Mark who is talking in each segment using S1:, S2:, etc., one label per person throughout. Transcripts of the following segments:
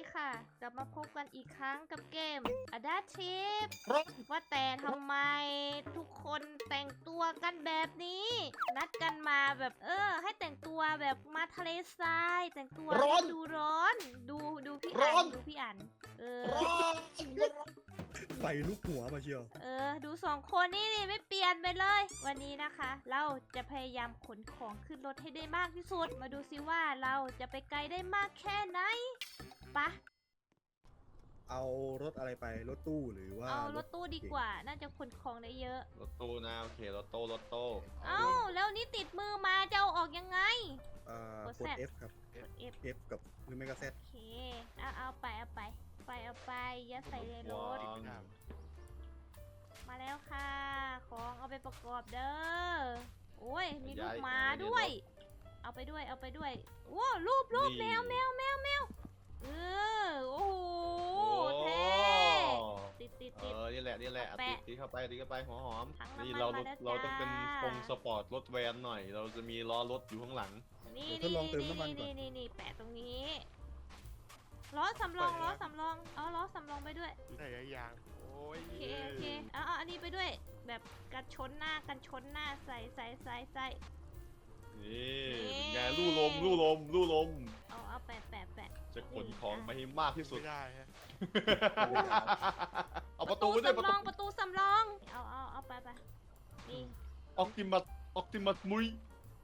S1: ค่ะกลับมาพบกันอีกครั้งกับเกม Adaptive ว่าแต่ทำไมทุกคนแต่งตัวกันแบบนี้ นัดกันมาแบบให้แต่งตัวแบบมาทะเลทรายแต่งตัวดูร้อนดูพี่อันดูพี่อัน
S2: ไฟลุกหัวมาเชียว
S1: ดูสองคนนี่ไม่เปลี่ยนไปเลย วันนี้นะคะ เราจะพยายามขนของขึ้นรถให้ได้มากที่สุดมาดูซิว่าเราจะไปไกลได้มากแค่ไหนปะ
S2: เอารถอะไรไปรถตู้หรือว่า
S1: เอารถตู้ดีกว่าน่าจะขนของได้เยอะ
S3: รถตู้นะโอเครถตู้
S1: เอ้าแล้วนี่ติดมือมาจะเอาออกยังไง
S2: กด F ครับ
S1: กด F
S2: F กับหรือไม่ก็ Z
S1: โอเคเอาไปยัดใส่ในรถมาแล้วค่ะของเอาไปประกอบเด้อโอ้ยมีลูกหมาด้วยเอาไปด้วยโอ้รูปแมวโอ้โหเท่ติด
S3: นี่แหละติดเข้าไปหัวหอม นี่เราต้องเป็นทรงสปอร์ตรถแวนหน่อยเราจะมีล้อรถอยู่ข้างหลัง
S1: นี่แปะตรงนี้ล้อสำรองเอาล้อสำรองไปด้วย
S4: ใส่ยางโอ้ย
S1: โอเคเอาอันนี้ไปด้วยแบบกันชนหน้าใส่
S3: นี่เป็นไงลู่ลม
S1: เอาแปะ
S3: จะขนของไปให้มากที่สุด
S4: ไม่ได้ฮะ
S3: เอาประตูไปด้วย
S1: ประตูสำรองเอาไปนี่
S3: ออกติมัสมุย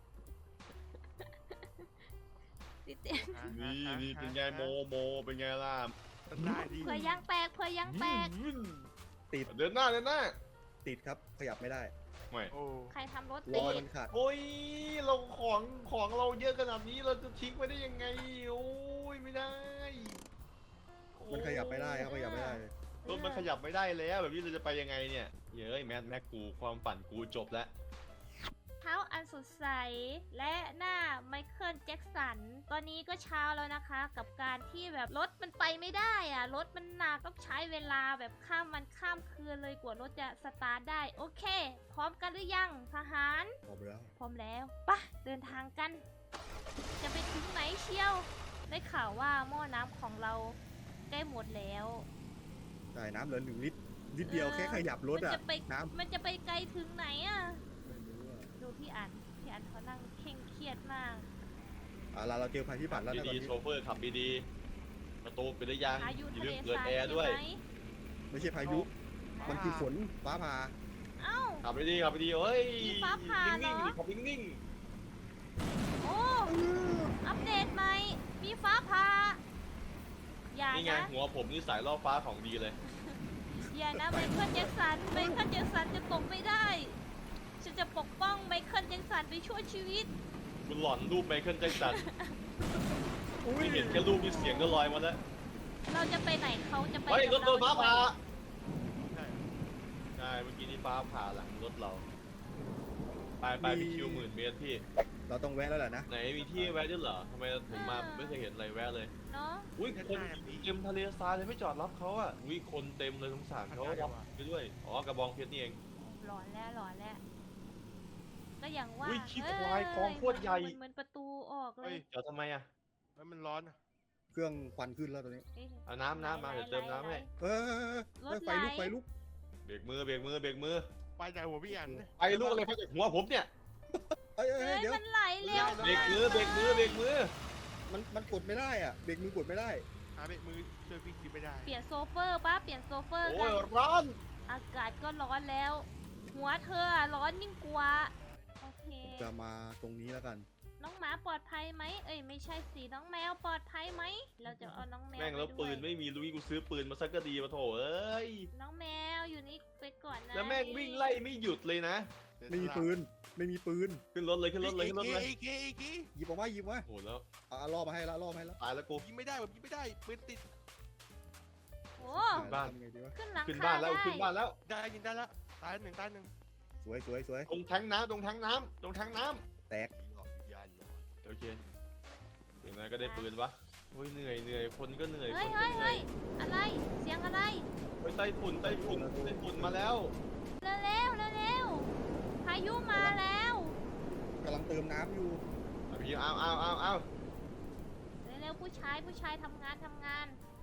S1: ติด
S3: นี่เป็นไงโมเป็นไงล่ะ
S4: ได้ดี
S1: เผื่อยางแตก
S2: ติด
S3: เดินหน้า
S2: ติดครับขยับไม่ได้
S3: ไม่
S4: โอ้
S1: ใครทำรถ
S2: ล้
S1: ติ
S2: อ
S1: ด
S2: มันขาด
S3: โอ้ยเราของเราเยอะขนาดนี้เราจะทิ้งไปได้ยังไงโอ้ยไม่ได้
S2: มันขยับไม่ได้ครับขยับไม่ได้
S3: รถมันขยับไม่ได้แล้วแบบนี้เราจะไปยังไงเนี่ยเย้ยแม็กกูความฝันกูจบแล้ว
S1: เท้าอันสดใสและหน้าไมเคิลแจ็คสันตอนนี้ก็เช้าแล้วนะคะ กับการที่แบบรถมันไปไม่ได้อะรถมันหนักต้องใช้เวลาแบบข้ามวันข้ามคืนเลยกว่ารถจะสตาร์ทได้โอเค พร้อมกันหรือยังทหาร
S2: พร้อมแล้ว
S1: พร้อมแล้วปะเดินทางกัน จะไปถึงไหนเชียวได้ข่าวว่าหม้อน้ำของเราใกล้หมดแล้ว
S2: ใช่น้ำเหลือ1 ลิตรนิดเดียวแค่ขยับรถอะน้ำ
S1: มันจะไปไกลถึงไหนอะ
S2: ไม่รู้อะ
S1: ดูพี่อันเขานั่งเคร่งเครียดมาก
S2: เราเจอภัยพิบัติแล้วนะตอน
S3: ดี
S2: นี้
S3: ๆโชเฟอร์ขับดีๆประตูปิดหรือยัง
S1: พายุ
S3: อย่า
S1: ทะ
S3: ลื
S1: เล
S3: มเปิด
S1: ทราย
S3: แอร์
S1: ใช่
S3: ด้วย
S1: ไหม
S2: ไม่ใช่พายุมันคือฝนฟ้าผ่า
S1: เอ้า
S3: ขับดีเฮ้ย
S1: มีฟ้าผ่าเหรอ
S3: นิ่งๆขับนิ่ง
S1: โอ้อัปเดตใหม่มีฟ้าผ่าอย่า
S3: ๆนี่ไง
S1: นะ
S3: หัวผมนี่สายล่อฟ้าของดีเลย
S1: อย่านะไมเคิลแจ็คสันจะตกไม่ได้ฉันจะปกป้องไมเคิลแจ็คสันไปช่วยชีวิต
S3: คุณหลอนรูปไมเคิลแจ็คสันไม่เห็นแค่รูปมีเสียงก็ลอยมาแล้ว
S1: เราจะไปไหนเขาจะไป
S3: เฮ้ยร
S1: กั
S3: ถ
S1: บ
S3: โดนฟ้าผ่า
S4: ใช่
S3: ใช่เมื่อกี้นี่ฟ้าผ่าหลังรถเราไปพี่คิว10,000 เมตรพี่
S2: เราต้องแวะแล้วแหละนะ
S3: ไหนมีที่แวะด้วยเหรอทำไมผมมาไม่เคยเห็นอะไรแวะเลย
S1: เนาะ
S3: อุ้ยคนเต็มทะเลทรายเลยไม่จอดรับเขาอ่ะอุ้ยคนเต็มเลยสงสารเขารับไปด้วยอ๋อกระบองเพชรนี่เอง
S1: หลอนแล้วก็อย่างว่า
S3: อุ้ยขี้ควายคลองโคตรใหญ่
S1: เหมือนประตูออกเล
S4: เฮ้
S1: ย
S4: ย
S3: จอดทำไมอ่ะ
S4: มันร้อน
S2: เครื่องควันขึ้นแล้วตอนนี้
S3: เอาน้ำมาเดี๋ยวเติมน้ำให้
S2: ไฟลุก
S3: เบรกมือ
S4: ไปจากหัวพี่อัน
S3: ไอ้ลูกอะไรเขาจากหัวผมเนี่ย
S2: เฮ้ย
S1: เฮ้ย
S2: เดี๋ยว
S1: มันไหลเร็ว
S3: เบรกมือ
S2: มันกดไม่ได้อะเบรกมือกดไม่ได้
S4: หาเบรกมือช่วยพี่คิดไม่ได้
S1: เปลี่ยนโซเฟอร์ปะเปลี่ยนโซเฟอร์
S3: โอ้
S1: กั
S3: ย
S1: น
S3: ร้อน
S1: อากาศก็ร้อนแล้ว หัวเธออะร้อนยิ่งกว่าโอเค
S2: จะมาตรงนี้แล้วกัน
S1: น้องหมาปลอดภัยไหมเอ้ยไม่ใช่สิน้องแมวปลอดภัยไหมเราจะเอาน้องแมว
S3: แม่งแล้ว
S1: ไป
S3: ปื
S1: ด้วย
S3: นไม่มีลุยกูซื้อปืนมาสักก็ดีมาโถเอ้ย
S1: น้องแมวอยู่นี่ไปก่อนนะ
S3: แล้วแม่งวิ่งไล่ไม่หยุดเลยนะ
S2: ไม่มีปืน
S3: ขึ้นรถเลย
S4: อีก
S2: หยิบออกมา
S3: โหแล้ว
S2: ล่อมาให้แล้ว
S3: ตายแล้วกู
S4: ยิงไม่ได้ผมยิงไม่ได้ปืนติด
S1: โอ้
S3: บ้าน
S2: ทำไงดีวะ
S1: ขึ้นหลัง
S3: ขึ้น
S1: คา
S3: บ้านแล้ว
S1: ได้
S3: ขึ้นบ้านแล้ว
S4: ได้ยิงได้แล้วตายหนึ่ง
S2: สวย
S3: ตรงแทงน้ำ
S2: แตก
S3: โอเคเห็นไหมก็ได้ปืนวะโอ้ยเหนื่อยคนก็เหนื่อย
S1: เฮ้ย
S3: คนก็เหนื่อย
S1: อะไรเสียงอะไร
S3: ไปไต้ฝุ่นมาแล้ว
S1: เร็วพายุมาแล้ว
S2: กำลังเติมน้ำอยู่
S3: พี่เอา
S1: เร็วผู้ชายทำงาน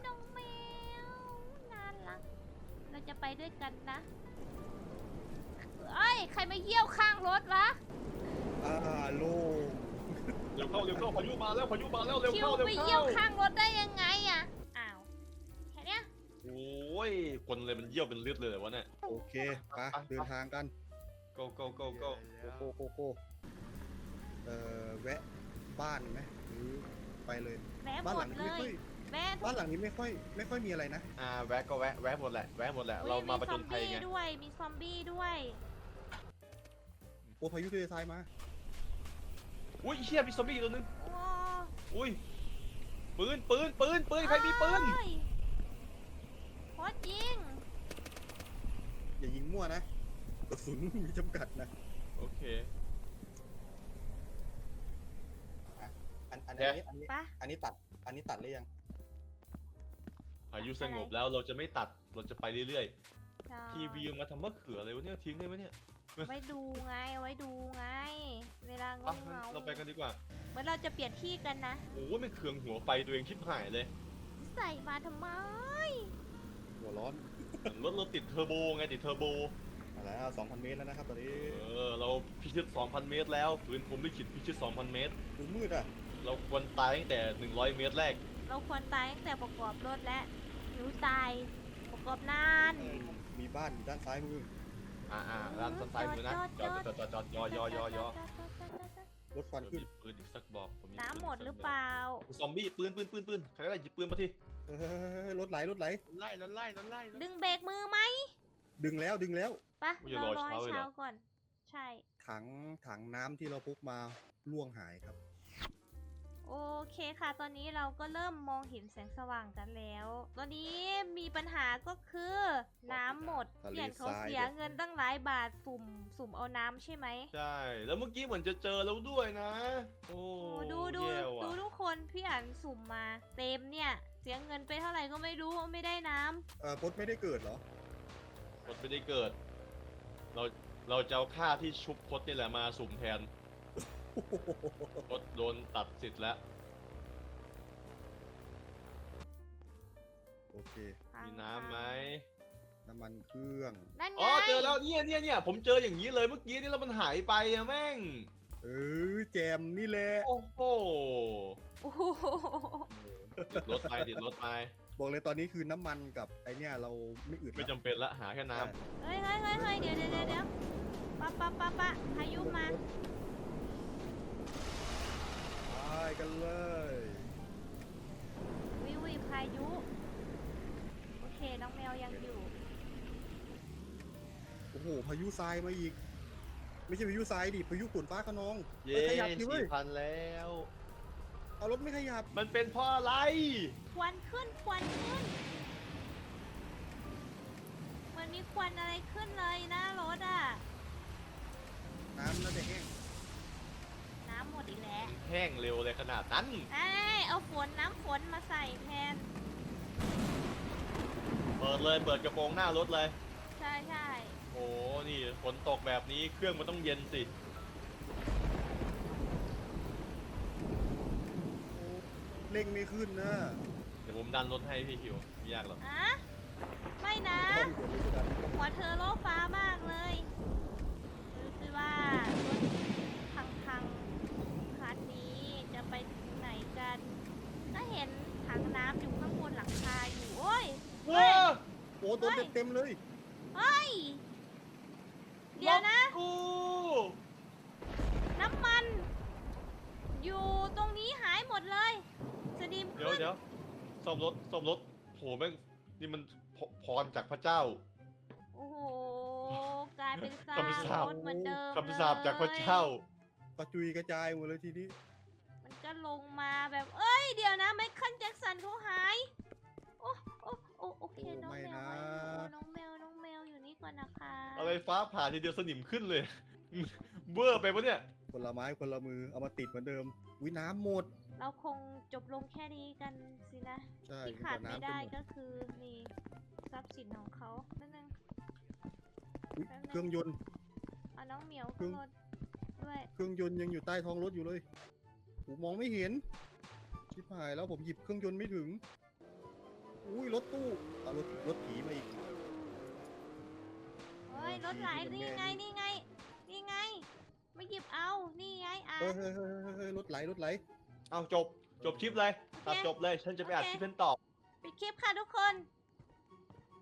S1: น้องแมวน่ารักเราจะไปด้วยกันนะเอ้ยใครมาเยี่ยวข้างรถวะ
S2: โลง
S3: เร็วเข้าเร็วเข้าพายุมาแล้วพายุมาแล้วเร็ว
S1: คิว
S3: เข้าเร็ว
S1: ไป
S3: เข้า
S1: เยี่ยวข้างรถได้ยังไงอะอ้าวแค่เนี้ย
S3: โอ้ยคนเลยมันเยี่ยวเป็นเลือดเลยเหรอวะเนี่ย
S2: โอเคไปเดินทางกัน
S3: go go go go
S2: โกโกโกแวะบ้านไหมหรือไปเลย
S1: แวะ
S2: บ้าน
S1: หม
S2: หลั
S1: ด
S2: ง
S1: เล
S2: นี้ไม่ค่อย
S1: ยแวะ
S2: บ้านหลังนี้ไม่ค่อยมีอะไรนะ
S3: แวะก็แวะหมดแหละแวะหมดแหละเรามาประจนภัยไง
S1: มีซอมบี้ด้วย
S2: โอ้พายุทะเลทรายมา
S3: อุ้ยเชี่ยมีซอมบี้ตัวนึง
S1: โอ้
S3: อุ้ยปืนใครมีปืน
S1: เอ้ยโคตรยิง
S2: อย่ายิงมั่วนะกระสุนมีจำกัดนะ
S3: โอเค
S2: อันนี้
S1: ปะ
S2: อันนี้ตัดหรือยัง
S3: พายุสงบแล้วเราจะไม่ตัดเราจะไปเรื่อย
S1: ใช่
S3: ๆทีวีมาทำมะเขืออะไรวะเนี่ยทิ้งได้ไหมเนี่ย
S1: ไว้ดูไง เวลาเง
S3: อ่ะ
S1: า
S3: เราไปกันดีกว่า
S1: เหมือนเราจะเปลี่ยนที่กันนะ
S3: โอ้ยไม่เคืองหัวไฟตัวเองชิบหายเลย
S1: ใส่มาทำไม
S2: หัวร้อน
S3: รถติดเทอร์โบไงติดเทอร์โบ
S2: มาแล้ว 2,000 เมตรแล้วนะครับตอนนี้
S3: เราพิชิต 2,000 เมตรแล้วปืนผมลิขิตพิชิต 2,000 เมตร
S2: ดูมืดอ่ะ
S3: เราควรตายตั้งแต่ 100 เมตรแรก
S1: เราควรตายตั้งแต่ประกอบรถและหิวตายประกอบนาน
S2: มีบ้านอยู่ด้านซ้ายมือ
S3: ร้านซ้ายมือนะจอดยอ
S2: รถควันขึ้น
S3: มีปืนอีกสักบอกผมมี
S1: น้ำหมดหรือเปล่า
S3: ซอมบี้ปืนใครได้หยิบปืนมาที
S2: รถไหล
S4: รถไล่
S1: ดึงเบรกมือไหม
S2: ดึงแล้ว
S1: ปะเรารอให้เช้าก่อน ใช่
S2: ถังน้ำที่เราพกมาล่วงหายครับ
S1: โอเคค่ะ ตอนนี้เราก็เริ่มมองเห็นแสงสว่างกันแล้ว ตอนนี้มีปัญหาก็คือ น้ำหมด
S2: ทะเล
S1: เปลี่ยนเขา
S2: ทราย
S1: เสียเงินตั้งหลายบาทสุ่มเอาน้ำใช่ไหม
S3: ใช่ แล้วเมื่อกี้เหมือนจะเจอแล้วด้วยนะ โอ้
S1: โอ้ดู
S3: แย่ว่ะ
S1: ทุกคนพี่อ่านสุ่มมา เต็มเนี่ย เสียเงินไปเท่าไหร่ก็ไม่รู้ไม่ได้น้ำ
S2: พดไม่ได้เกิดเหรอ
S3: พดไม่ได้เกิด เราจะเอาค่าที่ชุบพดนี่แหละมาสุ่มแทนพดโดนตัดสิทธิ์แล้ว
S2: โอเค
S3: มีน้ำไหม
S2: น้ำมันเครื่อง
S1: นั่นไง
S3: อ๋อเจอแล้วเนี่ยผมเจออย่างนี้เลยเมื่อกี้นี่แล้วมันหายไปอะแม่ง
S2: แจมนี่แหละ
S3: โอ้โห
S1: โอ้โห
S3: ติดรถไป
S2: บอกเลยตอนนี้คือน้ำมันกับไอเนี่ยเราไม่อึด
S3: ไม่
S2: ละ
S3: จำเป็นละหาแค่น้
S1: เฮ้ยเดี๋ยวปะพายุมา
S2: ไปกันเลย
S1: วิพายุ โอเคน้องแมวยังอยู่
S2: โอ้โหพายุทรายมาอีก ไม่ใช่พายุทรายดิพายุฝนฟ้าขนอง
S3: ำเย้
S2: ขยับทีเว้ย
S3: 4,000 แล้ว
S2: เอารถไม่ขยับ
S3: มันเป็นเพราะอะไร
S1: ควันขึ้นมันมีควันอะไรขึ้นเลยหน้ารถอ่ะ
S2: น้ำน่าจะแห้ง
S1: น้ำหมดอีกแล้ว
S3: แห้งเร็วเลยขนาดนั้น
S1: เอาน้ำฝนมาใส่แทน
S3: เปิดกระโปรงหน้ารถเลย
S1: ใช่
S3: โอ้นี่ฝนตกแบบนี้เครื่องมันต้องเย็นสิ
S2: เร่งไม่ขึ้นนะ
S3: เดี๋ยวผมดันรถให้พี่คิวไม่ยากหรอก
S1: อะไม่นะ หัวเธอโลกฟ้ามากเลยดูสิว่ารถพังคันนี้จะไปถึงไหนกันก็เห็นถังน้ำอยู่ข้างบนหลังคาอยู่ โอ้ย
S3: ว้า
S2: โอ้โดนเต็มเลย
S1: เฮ้ย เดี๋ยวนะ
S3: กู
S1: น้ำมัน อยู่ตรงนี้หายหมดเลยสนิม
S3: เดี๋ยวซ่อมรถโหแม่งนี่มันพรจากพระเจ้า
S1: โอ้โหกลายเป็นซาก
S3: คำสาป
S1: รถเหมือนเดิม
S3: คำสาปจากพระเจ้า
S2: กระจุยกระจายหมดเลยทีนี้
S1: มันก็ลงมาแบบ เอ้ย เดี๋ยวนะไมเคิลแจ็คสันเขาหาย โอเค น้องแมวไว้น้องแมวอยู่นี่ก่อนนะคะ
S3: อะไรฟ้าผ่าทีเดียวสนิมขึ้นเลย เบ้อไปปะเนี่ย
S2: คนละไม้คนละมือเอามาติดเหมือนเดิมวิน้ำหมด
S1: เราคงจบลงแค่นี้กันสินะ
S2: ใช่
S1: ที่ขาดไม่ได้
S2: น้ำจนหม
S1: ก็คือนี่ทรัพย์สินของเขานั่นนึง
S2: อุ๊ยเครื่องยนต์
S1: เอาน้องเหมียวขึ้นรถด้วย
S2: เครื่องยนต์ยังอยู่ใต้ท้องรถอยู่เลยผมมองไม่เห็นชิบหายแล้วผมหยิบเครื่องยนต์ไม่ถึงอุ้ยรถตู้เอารถผีมาอีก
S1: เฮ้ยรถไหลนี่ไงนี่ไงนี่ไงไม่หยิบเอานี่ไงอ่ะ
S2: เฮ้ยรถไหลรถไหล
S3: เอาจบคลิปเลยตัดจบเลย ฉันจะไปอัดคลิปเป็นต่อ
S1: ปิดคลิปค่ะทุกคน